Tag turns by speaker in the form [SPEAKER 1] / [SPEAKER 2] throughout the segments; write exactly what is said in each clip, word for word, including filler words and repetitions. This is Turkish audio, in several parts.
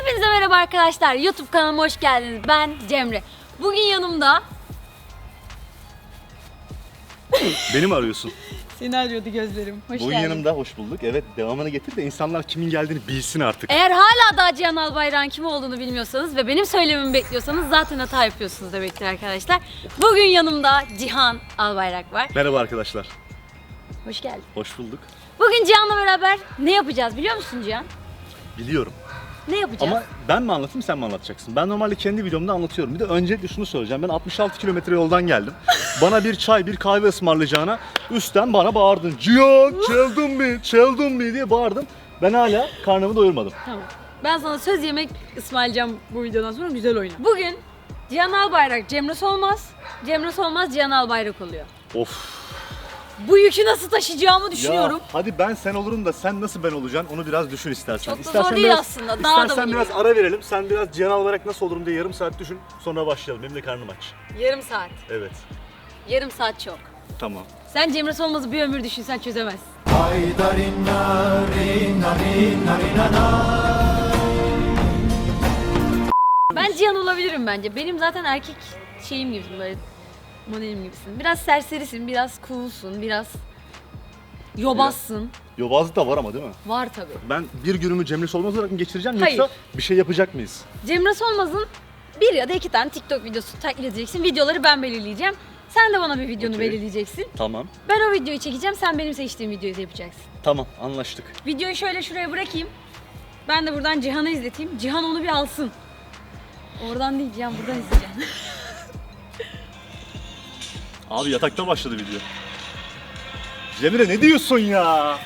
[SPEAKER 1] Hepinize merhaba arkadaşlar. YouTube kanalıma hoş geldiniz. Ben Cemre. Bugün yanımda...
[SPEAKER 2] Beni mi arıyorsun?
[SPEAKER 1] Seni arıyordu gözlerim. Hoş
[SPEAKER 2] Bugün
[SPEAKER 1] geldin.
[SPEAKER 2] yanımda hoş bulduk. Evet, devamını getir de insanlar kimin geldiğini bilsin artık.
[SPEAKER 1] Eğer hala daha Cihan Albayrak'ın kim olduğunu bilmiyorsanız ve benim söylememi bekliyorsanız zaten hata yapıyorsunuz demektir arkadaşlar. Bugün yanımda Cihan Albayrak var.
[SPEAKER 2] Merhaba arkadaşlar.
[SPEAKER 1] Hoş geldin.
[SPEAKER 2] Hoş bulduk.
[SPEAKER 1] Bugün Cihan'la beraber ne yapacağız biliyor musun Cihan?
[SPEAKER 2] Biliyorum.
[SPEAKER 1] Ne yapacağız?
[SPEAKER 2] Ama ben mi anlatayım, sen mi anlatacaksın? Ben normalde kendi videomda anlatıyorum. Bir de öncelikle şunu söyleyeceğim. Ben altmış altı kilometre yoldan geldim. Bana bir çay, bir kahve ısmarlayacağına üstten bana bağırdın. Cihan, çaldın mı, çaldın mı diye bağırdım. Ben hala karnımı doyurmadım.
[SPEAKER 1] Tamam. Ben sana söz yemek ısmarlayacağım bu videodan sonra, güzel oyna. Bugün Cihan Albayrak Cemre Solmaz, Cemre Solmaz Cihan Albayrak oluyor.
[SPEAKER 2] Of.
[SPEAKER 1] Bu yükü nasıl taşıyacağımı düşünüyorum.
[SPEAKER 2] Ya hadi ben sen olurum da sen nasıl ben olacaksın onu biraz düşün istersen.
[SPEAKER 1] Çok da
[SPEAKER 2] İstersen
[SPEAKER 1] zor değil
[SPEAKER 2] biraz,
[SPEAKER 1] aslında, dağ adamı
[SPEAKER 2] İstersen
[SPEAKER 1] gibi.
[SPEAKER 2] biraz ara verelim. Sen biraz Cihan olarak nasıl olurum diye yarım saat düşün. Sonra başlayalım. Benim de karnım aç.
[SPEAKER 1] Yarım saat.
[SPEAKER 2] Evet.
[SPEAKER 1] Yarım saat çok.
[SPEAKER 2] Tamam.
[SPEAKER 1] Sen Cemre Solmaz'ı bir ömür düşünsen çözemezsin. Ben Cihan olabilirim bence. Benim zaten erkek şeyim gibisin, böyle modelim gibisin. Biraz serserisin, biraz coolsun, biraz yobazsın.
[SPEAKER 2] Yobazlık da var ama değil mi?
[SPEAKER 1] Var tabii.
[SPEAKER 2] Ben bir günümü Cemre Solmaz olarak mı geçireceğim
[SPEAKER 1] Hayır.
[SPEAKER 2] yoksa bir şey yapacak mıyız?
[SPEAKER 1] Cemre Solmaz'ın bir ya da iki tane TikTok videosu taklit edeceksin. Videoları ben belirleyeceğim. Sen de bana bir videonu
[SPEAKER 2] Okey.
[SPEAKER 1] belirleyeceksin.
[SPEAKER 2] Tamam.
[SPEAKER 1] Ben o videoyu çekeceğim, sen benim seçtiğim videoyu da yapacaksın.
[SPEAKER 2] Tamam, anlaştık.
[SPEAKER 1] Videoyu şöyle şuraya bırakayım. Ben de buradan Cihan'a izleteyim. Cihan onu bir alsın. Oradan değil, Cihan buradan izleyeceğim.
[SPEAKER 2] Abi yatakta başladı video. Cemre ne diyorsun ya?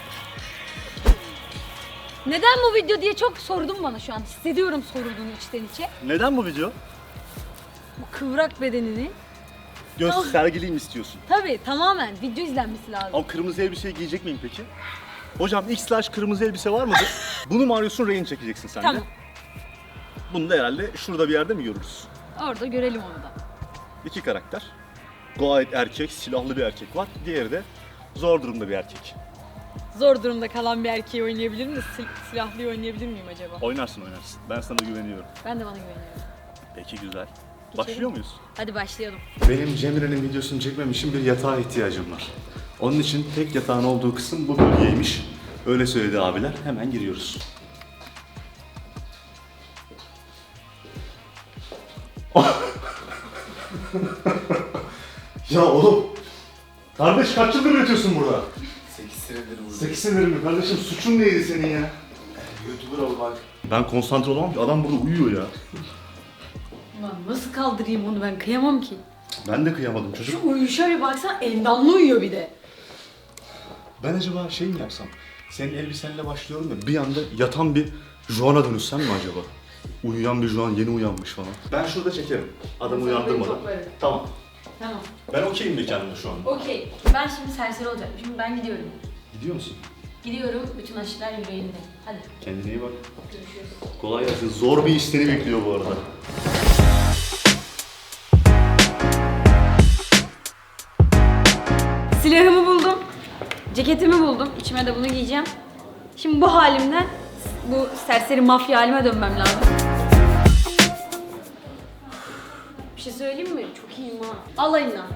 [SPEAKER 1] Neden bu video diye çok sordun bana şu an. Hissediyorum sorulduğunu içten içe.
[SPEAKER 2] Neden bu video?
[SPEAKER 1] Bu kıvrak bedenini.
[SPEAKER 2] Göz
[SPEAKER 1] Ah.
[SPEAKER 2] sergileyim istiyorsun.
[SPEAKER 1] Tabii tamamen video izlenmesi lazım.
[SPEAKER 2] Ama kırmızı elbiseyi giyecek miyim peki? Hocam X slash kırmızı elbise var mıdır? Bunu mu arıyorsun, rehin çekeceksin sen de?
[SPEAKER 1] Tamam.
[SPEAKER 2] Bunu da herhalde şurada bir yerde mi görürüz?
[SPEAKER 1] Orada görelim onu da.
[SPEAKER 2] İki karakter. Gayet erkek, silahlı bir erkek var. Diğeri de zor durumda bir erkek.
[SPEAKER 1] Zor durumda kalan bir erkeği oynayabilir miyim? Sil- silahlıyı oynayabilir miyim acaba?
[SPEAKER 2] Oynarsın oynarsın. Ben sana güveniyorum.
[SPEAKER 1] Ben de bana güveniyorum.
[SPEAKER 2] Peki güzel.
[SPEAKER 1] Geçelim.
[SPEAKER 2] Başlıyor muyuz?
[SPEAKER 1] Hadi başlayalım.
[SPEAKER 2] Benim Cemre'nin videosunu çekmem için bir yatağa ihtiyacım var. Onun için tek yatağın olduğu kısım bu bölgeymiş. Öyle söyledi abiler. Hemen giriyoruz. Ya oğlum. Kardeş kaç yıldır üretiyorsun burada?
[SPEAKER 3] sekiz senedir burada.
[SPEAKER 2] sekiz senedir mi? Kardeşim suçun neydi senin ya?
[SPEAKER 3] YouTuber olmak.
[SPEAKER 2] Ben konsantre olamam ki. Adam burada uyuyor ya.
[SPEAKER 1] Ulan nasıl kaldırayım onu, ben kıyamam ki.
[SPEAKER 2] Ben de kıyamadım çocuk.
[SPEAKER 1] Şu uyuşa bir baksana, endamlı uyuyor bir de.
[SPEAKER 2] Ben acaba şey mi yapsam? Senin elbisenle başlıyorum ya, bir anda yatan bir Juan'a dönüşsem mi acaba? Uyuyan bir Juan, yeni uyanmış falan. Ben şurada çekerim. Adamı
[SPEAKER 1] Sen beni
[SPEAKER 2] uyandırmadan.
[SPEAKER 1] toplarım.
[SPEAKER 2] Tamam.
[SPEAKER 1] Tamam.
[SPEAKER 2] Ben okeyim mekanımda şu anda.
[SPEAKER 1] Okey. Ben şimdi serseri olacağım. Şimdi ben gidiyorum.
[SPEAKER 2] Gidiyor musun?
[SPEAKER 1] Gidiyorum. Bütün aşılar yüreğimde. Hadi.
[SPEAKER 2] Kendine iyi bak.
[SPEAKER 1] Görüşürüz.
[SPEAKER 2] Kolay gelsin. Zor bir iş seni bekliyor bu arada.
[SPEAKER 1] Silahımı buldum. Ceketimi buldum. İçime de bunu giyeceğim. Şimdi bu halimden bu serseri mafya halime dönmem lazım. Bir şey söyleyeyim mi? Çok iyiyim ha. Alayına.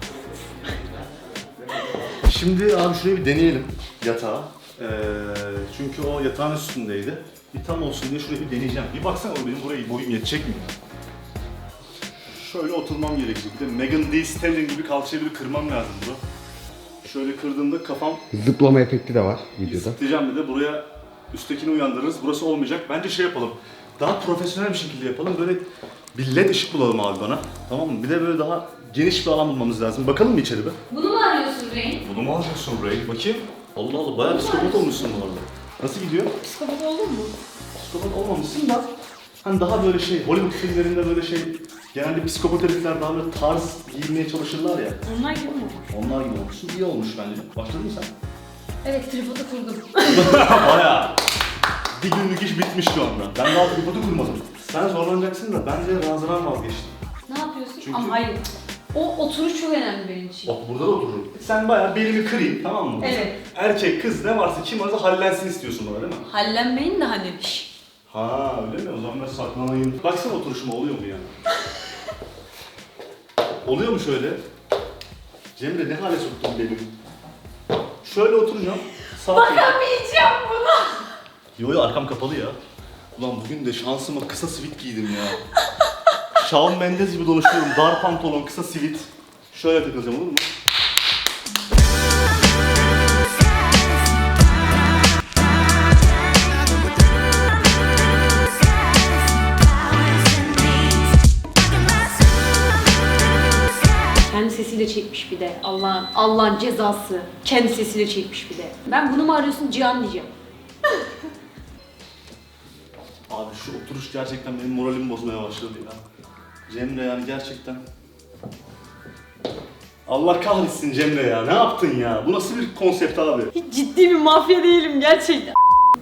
[SPEAKER 2] Şimdi abi şurayı bir deneyelim yatağı. Ee, çünkü o yatağın üstündeydi. Bir tam olsun diye şurayı bir deneyeceğim. Bir baksana o benim burayı boyum yetecek mi? Şöyle oturmam gerekecek. Bir de Megan Thee Stallion gibi kalçayı bir kırmam lazım bunu. Şöyle kırdığımda kafam
[SPEAKER 3] Zıplama efekti de var videoda.
[SPEAKER 2] zıplayacağım, bir de buraya üsttekini uyandırırız. Burası olmayacak. Bence şey yapalım. Daha profesyonel bir şekilde yapalım. Böyle bir led ışık bulalım abi bana. Tamam mı? Bir de böyle daha geniş bir alan bulmamız lazım. Bakalım mı içeri be?
[SPEAKER 1] Bunu mu arıyorsun Reyn?
[SPEAKER 2] Bunu mu alacaksın Ray? Bakayım. Allah Allah, bayağı psikopat olmuşsun bu arada. Nasıl gidiyor?
[SPEAKER 1] Psikopat oldun mu?
[SPEAKER 2] Psikopat olmamışsın da hani daha böyle şey, Hollywood filmlerinde böyle şey, genelde psikopat herifler daha böyle tarz giyinmeye çalışırlar ya.
[SPEAKER 1] Onlar gibi mi olmuş?
[SPEAKER 2] Onlar gibi olmuşsun. İyi olmuş bence. Başladın mı sen?
[SPEAKER 1] Evet, tripodu kurdum.
[SPEAKER 2] Bayağı. Bir günlük iş bitmiş şu anda. Ben daha tripodu kurmadım. Sen zorlanacaksın da ben de razıdan vazgeçtim.
[SPEAKER 1] Ne yapıyorsun?
[SPEAKER 2] Çünkü-
[SPEAKER 1] Ama hayır. O oturuş çok önemli benim için.
[SPEAKER 2] Bak burada da otururum. Sen bayağı belimi kırayım, tamam mı?
[SPEAKER 1] Evet.
[SPEAKER 2] Erkek, kız ne varsa kim varsa hallensin istiyorsun bana değil mi?
[SPEAKER 1] Hallenmeyin de hani. Şşş.
[SPEAKER 2] Ha öyle mi? O zaman ben saklanayım. Baksana oturuşuma oluyor mu yani? Oluyor mu şöyle? Cemre ne hale soktun beni? Şöyle oturacağım. Sağ
[SPEAKER 1] Bakamayacağım buna.
[SPEAKER 2] Yo yo arkam kapalı ya. Ulan bugün de şansıma kısa sivit giydim ya. Shawn Mendes gibi dolaşıyorum. Dar pantolon, kısa sivit. Şöyle takılacağım olur mu?
[SPEAKER 1] Kendi sesiyle çekmiş bir de. Allah'ın Allah'ın cezası. Kendi sesiyle çekmiş bir de. Ben bunu mu arıyorsun Cihan diyeceğim.
[SPEAKER 2] Abi şu oturuş gerçekten benim moralimi bozmaya başladı ya. Cemre yani gerçekten. Allah kahretsin Cemre ya. Ne yaptın ya? Bu nasıl bir konsept abi?
[SPEAKER 1] Hiç ciddi bir mafya değilim gerçekten.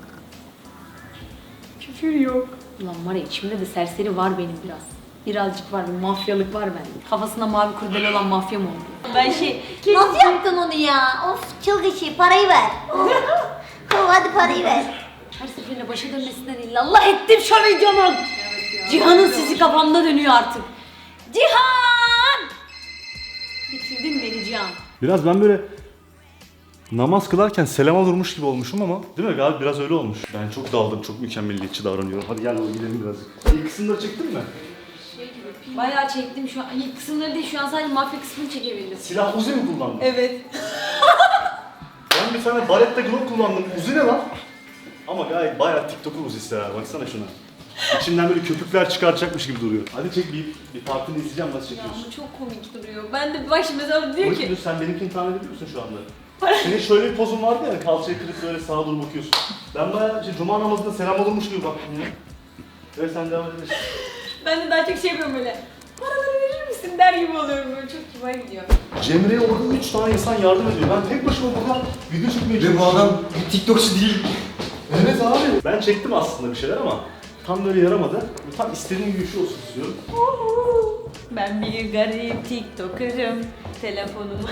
[SPEAKER 1] Küfür yok. Ulan var ya içimde de serseri var benim biraz. Birazcık var, bir mafyalık var bende. Kafasında mavi kurdele olan mafya mı oldu? Ben şey...
[SPEAKER 4] Nasıl yaptın onu ya? Of çılgın şey, parayı ver. Oh, hadi parayı ver.
[SPEAKER 1] Her seferinde başa dönmesinden illallah ettim şu videonun. Cihan'ın sizi kafamda dönüyor artık. Cihan! Bitirdin beni Cihan.
[SPEAKER 2] Biraz ben böyle namaz kılarken selama durmuş gibi olmuşum ama değil mi galiba biraz öyle olmuş. Ben çok daldım, çok mükemmeliyetçi davranıyorum. Hadi gel oğlum gidelim birazcık. İlk kısımları çektin mi?
[SPEAKER 1] Bayağı çektim şu an. İlk kısımları değil, şu an sadece mafya kısmını çekebildim.
[SPEAKER 2] Silah Uzi mi kullandın?
[SPEAKER 1] Evet.
[SPEAKER 2] Ben bir tane Barretta Glock kullandım. Uzi ne lan? Ama gayet bayağı TikTok'un Uzi'si ha. Baksana şuna. İçinden böyle köpükler çıkartacakmış gibi duruyor. Hadi çek bir, bir partini izleyeceğim nasıl
[SPEAKER 1] Ya
[SPEAKER 2] çekiyorsun.
[SPEAKER 1] bu çok komik duruyor. Ben de bak şimdi mesela diyor ki...
[SPEAKER 2] Dur, sen benimkini tahmin ediyor musun şu anda? Senin şöyle bir pozun vardı ya, kalçayı kırıp böyle sağa doğru bakıyorsun. Ben bayağı işte, cuma namazında selam olurmuş gibi baktım ya. Evet sen devam edebilirsin.
[SPEAKER 1] Ben de daha çok şey yapıyorum böyle. Paraları verir misin der gibi oluyorum böyle, çok kibar gidiyor.
[SPEAKER 2] Cemre'ye orada üç tane insan yardım ediyor. Ben tek başıma burada video çekmeye
[SPEAKER 3] Ve bu
[SPEAKER 2] çalışıyorum.
[SPEAKER 3] adam bir TikTokçu değil.
[SPEAKER 2] Evet abi. Ben çektim aslında bir şeyler ama tam böyle yaramadı. Tam istediğim gibi bir şey olsun istiyorum.
[SPEAKER 1] Ben bir garip TikToker'ım. Telefonum.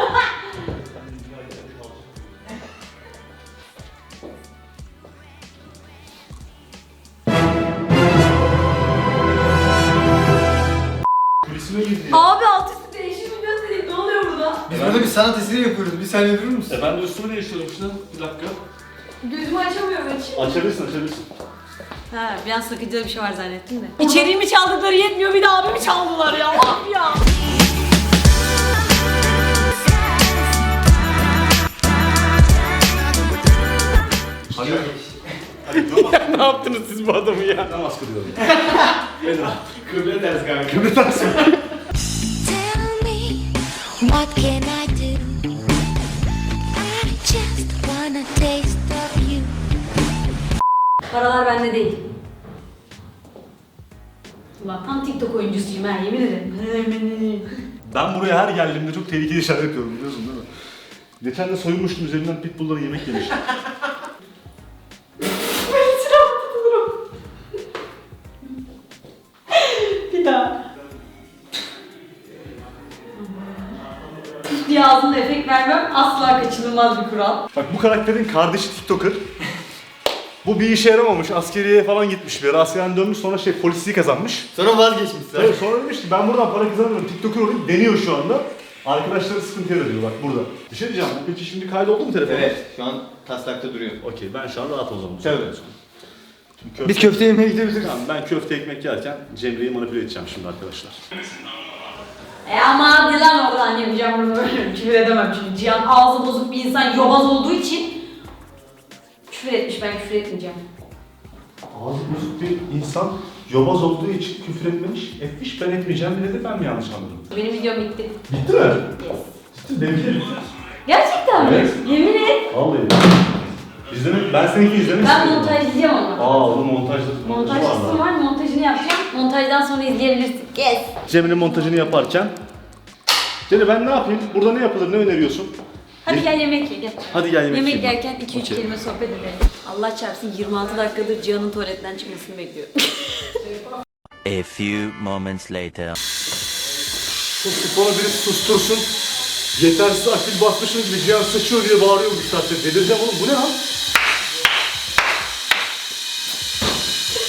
[SPEAKER 2] Kulisime girdi ya.
[SPEAKER 1] Abi alt üstü değişim mi göstereyim? Ne oluyor burada?
[SPEAKER 3] Biz burada bir sanat eseri yapıyoruz. Bir saniye durur musun?
[SPEAKER 2] E ben de üstümü değiştiriyorum işte. Bir dakika.
[SPEAKER 1] Gözümü açamıyorum açayım.
[SPEAKER 2] Açabilirsin açabilirsin.
[SPEAKER 1] Ha, bir an sakıncalı bir şey var zannettim de. İçeriğimi çaldıkları yetmiyor, bir de abimi çaldılar ya. Abi ya.
[SPEAKER 2] Hadi. Hadi dur bak.
[SPEAKER 3] Ne yaptınız siz bu adamı ya?
[SPEAKER 2] Namaz kılıyorum.
[SPEAKER 3] Kıble ders kanka.
[SPEAKER 2] Kıbrıs taksın.
[SPEAKER 4] Tell me, what can I do? I just wanna taste of you.
[SPEAKER 1] Paralar bende değil. Ulan tam TikTok oyuncusuyum ha, yemin ederim.
[SPEAKER 2] Ben buraya her geldiğimde çok tehlikeli şeyler yapıyorum biliyorsun değil mi? Geçen de soyunmuştum üzerinden pitbull'lara yemek yemiştim.
[SPEAKER 1] Bir daha. diye ağzımda efekt vermem asla kaçınılmaz bir kural.
[SPEAKER 2] Bak bu karakterin kardeşi TikToker. Bu bir işe yaramamış, askeriye falan gitmiş bir ara. Askerden dönmüş sonra şey polisliği kazanmış.
[SPEAKER 3] Sonra vazgeçmişler.
[SPEAKER 2] Evet, sonra demiş ki ben buradan para kazanıyorum, TikToker olayım, deniyor şu anda. Arkadaşları sıkıntı yaratıyor bak burada. Bir şey diyeceğim, bu peki şimdi kaydoldu mu telefon?
[SPEAKER 3] Evet, şu an taslakta duruyor.
[SPEAKER 2] Okey, ben şu an rahat o zaman.
[SPEAKER 3] Tabii.
[SPEAKER 2] Şimdi köfte...
[SPEAKER 3] Biz köfte yemeye gidebiliriz.
[SPEAKER 2] Tamam, ben köfte ekmek yerken Cemre'yi manipüle edeceğim şimdi arkadaşlar.
[SPEAKER 1] E ama hadi lan oradan yapacağım bunu böyle. Küfür edemem çünkü Cihan ağzı bozuk bir insan, yobaz olduğu için küfür etmiş, ben küfür etmeyeceğim.
[SPEAKER 2] Ağzı bozuk bir insan yobaz olduğu için küfür etmemiş, etmiş, ben etmeyeceğim dedi, ben mi yanlış anladım?
[SPEAKER 1] Benim videom bitti.
[SPEAKER 2] Bitti mi?
[SPEAKER 1] Yes.
[SPEAKER 2] Bitti, benimki de bitti.
[SPEAKER 1] Gerçekten mi?
[SPEAKER 2] Evet.
[SPEAKER 1] Yemin et.
[SPEAKER 2] Vallahi. İzlemek, ben seninki izlemek
[SPEAKER 1] Ben
[SPEAKER 2] istiyorum.
[SPEAKER 1] montajlayacağım ama.
[SPEAKER 2] Aa, onun montajda montajı var
[SPEAKER 1] Montajcısı
[SPEAKER 2] lan.
[SPEAKER 1] var, montajını yapacağım. Montajdan sonra izleyebilirsin. Yes.
[SPEAKER 2] Cemre'nin montajını yaparken Cemre ben ne yapayım? Burada ne yapılır? Ne öneriyorsun?
[SPEAKER 1] Hadi
[SPEAKER 2] Ye-
[SPEAKER 1] gel yemek ye gel.
[SPEAKER 2] Hadi gel yemek
[SPEAKER 1] Yemek
[SPEAKER 2] yiyelim.
[SPEAKER 1] yerken iki üç
[SPEAKER 2] Okey.
[SPEAKER 1] kelime sohbet edelim. Allah çarpsın yirmi altı dakikadır Cihan'ın tuvaletten çıkmasını bekliyorum.
[SPEAKER 5] A few moments later.
[SPEAKER 2] Şu spora biri sustursun. Yetersiz akbil basmışım gibi Cihan sıçıyor diye bağırıyor bu saatte. Delireceğim oğlum. Bu ne lan?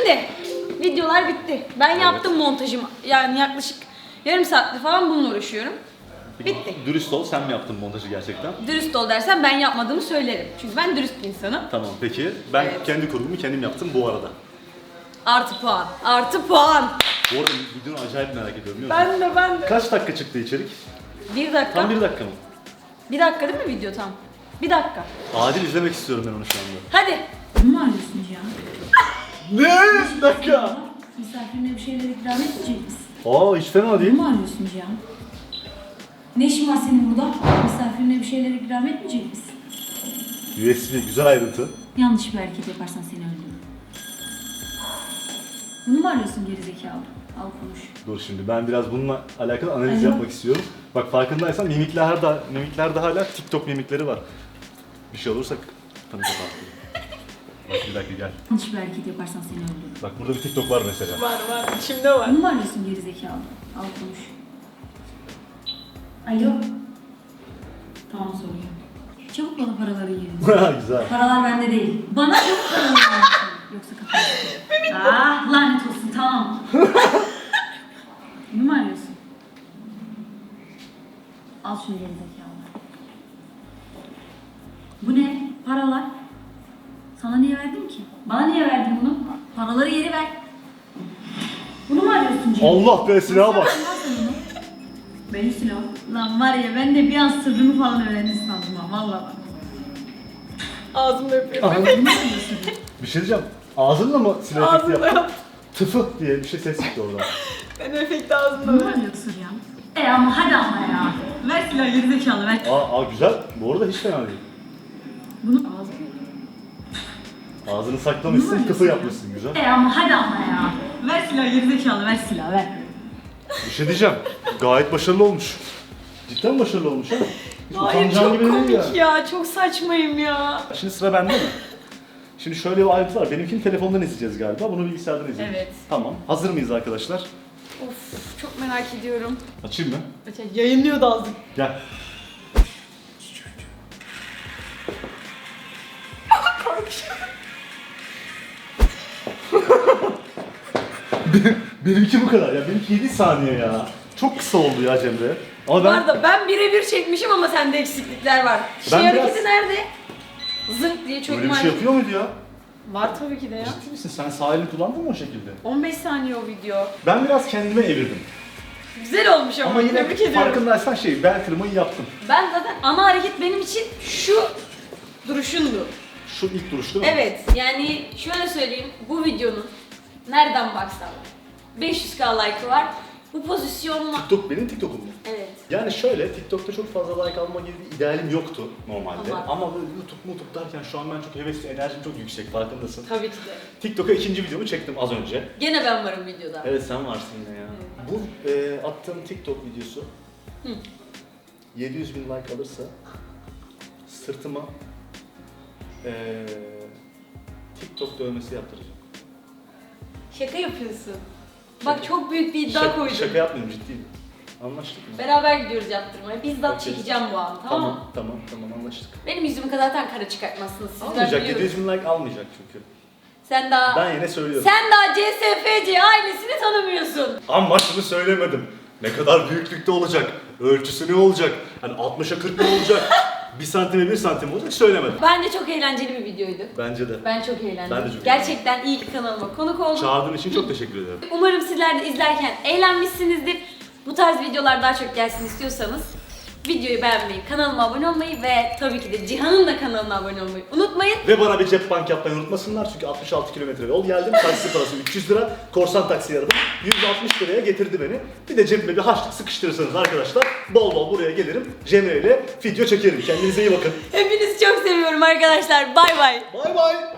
[SPEAKER 1] Şimdi videolar bitti. Ben yaptım montajımı. Yani yaklaşık yarım saattir falan bununla uğraşıyorum. Bitti.
[SPEAKER 2] Dürüst ol, sen mi yaptın montajı gerçekten?
[SPEAKER 1] Dürüst ol dersen ben yapmadığımı söylerim. Çünkü ben dürüst bir insanım.
[SPEAKER 2] Tamam, peki. Ben
[SPEAKER 1] Evet.
[SPEAKER 2] kendi kurgumu kendim yaptım bu arada.
[SPEAKER 1] Artı puan. Artı puan.
[SPEAKER 2] Bu arada videonu acayip merak ediyorum biliyor musun?
[SPEAKER 1] Ben de ben de.
[SPEAKER 2] Kaç dakika çıktı içerik?
[SPEAKER 1] Bir dakika.
[SPEAKER 2] Tam bir dakika mı?
[SPEAKER 1] Bir dakika değil mi video tam? Bir dakika.
[SPEAKER 2] Adil izlemek istiyorum ben onu şu anda.
[SPEAKER 1] Hadi.
[SPEAKER 6] Bunu mu arıyorsun Cihan?
[SPEAKER 2] Ne? Bir dakika.
[SPEAKER 6] Misafirine bir şeyler ikram etmeyecek misin?
[SPEAKER 2] Aa hiç fena değil.
[SPEAKER 6] Bunu mu arıyorsun Cihan? Ne işin var senin burada? Misafirine bir şeyler ikram etmeyecek misin?
[SPEAKER 2] U S B güzel ayrıntı.
[SPEAKER 6] Yanlış bir hareket yaparsan seni öldürürüm. Bunu mu arıyorsun gerizekalı? Al konuş.
[SPEAKER 2] Dur şimdi ben biraz bununla alakalı analiz
[SPEAKER 6] Alo.
[SPEAKER 2] yapmak istiyorum. Bak farkındaysan mimiklerde, mimiklerde hala TikTok mimikleri var. Bir şey olursa tanı kapattım. Bak bir dakika gel.
[SPEAKER 6] Yanlış bir hareket yaparsan seni öldürürüm.
[SPEAKER 2] Bak burada bir TikTok var mesela.
[SPEAKER 1] Var var. İçimde var.
[SPEAKER 6] Bunu mu arıyorsun gerizekalı? Al konuş. Alo. Tamam soruyorum. Çabuk bana paraları yerin.
[SPEAKER 2] Güzel.
[SPEAKER 6] Paralar bende değil. Bana çabuk paraları yerin. Yoksa kafanı Ah lanet olsun tamam. Bunu mu arıyorsun? Al şunu gerizekalı. Bu ne? Paralar. Sana niye verdim ki? Bana niye verdin bunu? Paraları geri ver. Bunu mu arıyorsun Cem?
[SPEAKER 2] Allah be silaha bak.
[SPEAKER 6] Benim silahım. Lan var ya ben de bir an sırrımı falan öğrendin sandım ha valla bak.
[SPEAKER 1] Ağzımda yapıyorum.
[SPEAKER 6] Bunu mu arıyorsun?
[SPEAKER 2] Bir şey diyeceğim. Ağzınla mı silah efekti
[SPEAKER 1] Ağzımda
[SPEAKER 2] yaptın?
[SPEAKER 1] yap.
[SPEAKER 2] Tıfı diye bir şey ses çıktı oradan.
[SPEAKER 1] Ben efekti ağzımda
[SPEAKER 6] Bunu mu
[SPEAKER 1] var.
[SPEAKER 6] arıyorsun ya? E ama hadi ama ya. Ver silahı gerizekalı ver.
[SPEAKER 2] Aa, aa güzel. Bu arada hiç fena değil.
[SPEAKER 6] Bunu ağzına.
[SPEAKER 2] Ağzını saklamışsın, tıfı yapmışsın güzel.
[SPEAKER 6] E ama hadi ama ya. Ver silahı gerizekalı ver silahı ver.
[SPEAKER 2] Bir şey diyeceğim. Gayet başarılı olmuş. Cidden başarılı olmuş ha. Hiç
[SPEAKER 1] Hayır
[SPEAKER 2] utanacağın
[SPEAKER 1] çok
[SPEAKER 2] gibi değil
[SPEAKER 1] komik ya. Çok saçmayım ya.
[SPEAKER 2] Şimdi sıra bende mi? Şimdi şöyle bir ayrıntı var. Benimkini telefondan izleyeceğiz galiba. Bunu bilgisayardan izleyeceğiz.
[SPEAKER 1] Evet.
[SPEAKER 2] Tamam. Hazır mıyız arkadaşlar?
[SPEAKER 1] Of çok merak ediyorum.
[SPEAKER 2] Açayım mı?
[SPEAKER 1] Yayınlıyor da azıcık.
[SPEAKER 2] Gel. Benimki bu kadar ya. Benimki yedi saniye ya. Çok kısa oldu ya Cemre. Ama
[SPEAKER 1] Bu
[SPEAKER 2] ben
[SPEAKER 1] arada ben birebir çekmişim ama sende eksiklikler var. Şey
[SPEAKER 2] Ben
[SPEAKER 1] hareketi
[SPEAKER 2] biraz-
[SPEAKER 1] nerede? Zınk diye çok
[SPEAKER 2] böyle bir şey yapıyor muydu ya?
[SPEAKER 1] Var tabii ki de ya.
[SPEAKER 2] Ciddi misin? Sen sağ elini kullandın mı o şekilde?
[SPEAKER 1] on beş saniye o video.
[SPEAKER 2] Ben biraz kendime evirdim.
[SPEAKER 1] Güzel olmuş ama,
[SPEAKER 2] Ama yine
[SPEAKER 1] tebrik ediyorum.
[SPEAKER 2] farkındaysan şey, bel kırmayı yaptım.
[SPEAKER 1] Ben zaten ana hareket benim için şu duruşundu.
[SPEAKER 2] Şu ilk duruş değil mi?
[SPEAKER 1] Evet yani şöyle söyleyeyim bu videonun nereden baksan beş yüz bin like'ı var. Bu pozisyonla...
[SPEAKER 2] TikTok benim TikTok'um mu?
[SPEAKER 1] Evet.
[SPEAKER 2] Yani şöyle, TikTok'ta çok fazla like alma gibi bir idealim yoktu normalde.
[SPEAKER 1] Ama-
[SPEAKER 2] Ama, böyle YouTube, YouTube derken şu an ben çok hevesli, enerjim çok yüksek, farkındasın.
[SPEAKER 1] Tabii ki de.
[SPEAKER 2] TikTok'a ikinci videomu çektim az önce.
[SPEAKER 1] Gene ben varım videoda.
[SPEAKER 2] Evet sen varsın yine ya. Bu e, attığım TikTok videosu
[SPEAKER 1] Hı.
[SPEAKER 2] yedi yüz bin like alırsa sırtıma e, TikTok dövmesi yaptıracağım.
[SPEAKER 1] Şaka yapıyorsun. Bak çok büyük bir iddia
[SPEAKER 2] Şaka,
[SPEAKER 1] koydum.
[SPEAKER 2] şaka yapmıyorum ciddiyim. Anlaştık mı?
[SPEAKER 1] Beraber gidiyoruz yaptırmaya. Bizzat
[SPEAKER 2] Okey.
[SPEAKER 1] çekeceğim bu an tamam mı?
[SPEAKER 2] Tamam, tamam, tamam anlaştık.
[SPEAKER 1] Benim yüzümü zaten kara çıkartmazsınız siz ben
[SPEAKER 2] Almayacak, yedi
[SPEAKER 1] biliyorum.
[SPEAKER 2] yüz bin like almayacak çünkü.
[SPEAKER 1] Sen daha...
[SPEAKER 2] Ben yine söylüyorum.
[SPEAKER 1] Sen daha C S F C ailesini tanımıyorsun.
[SPEAKER 2] Ama şunu söylemedim. Ne kadar büyüklükte olacak? Ölçüsü ne olacak? Hani altmışa kırk mı olacak? bir santime bir santim olacak söylemedim.
[SPEAKER 1] Bence çok eğlenceli bir videoydu.
[SPEAKER 2] Bence de.
[SPEAKER 1] Ben çok eğlendim.
[SPEAKER 2] Ben de çok
[SPEAKER 1] Gerçekten iyi ki kanalıma konuk oldum.
[SPEAKER 2] Çağırdığın için çok teşekkür ederim.
[SPEAKER 1] Umarım sizler de izlerken eğlenmişsinizdir. Bu tarz videolar daha çok gelsin istiyorsanız videoyu beğenmeyi, kanalıma abone olmayı ve tabii ki de Cihan'ın da kanalına abone olmayı unutmayın.
[SPEAKER 2] Ve bana bir cep bank yapmayı unutmasınlar çünkü altmış altı kilometre yol geldim. Taksi parası üç yüz lira. Korsan taksi aradım. yüz altmış liraya getirdi beni. Bir de cebime bir harçlık sıkıştırırsanız arkadaşlar bol bol buraya gelirim. Cemre ile video çekerim. Kendinize iyi bakın.
[SPEAKER 1] Hepinizi çok seviyorum arkadaşlar. Bay bay.
[SPEAKER 2] Bay bay.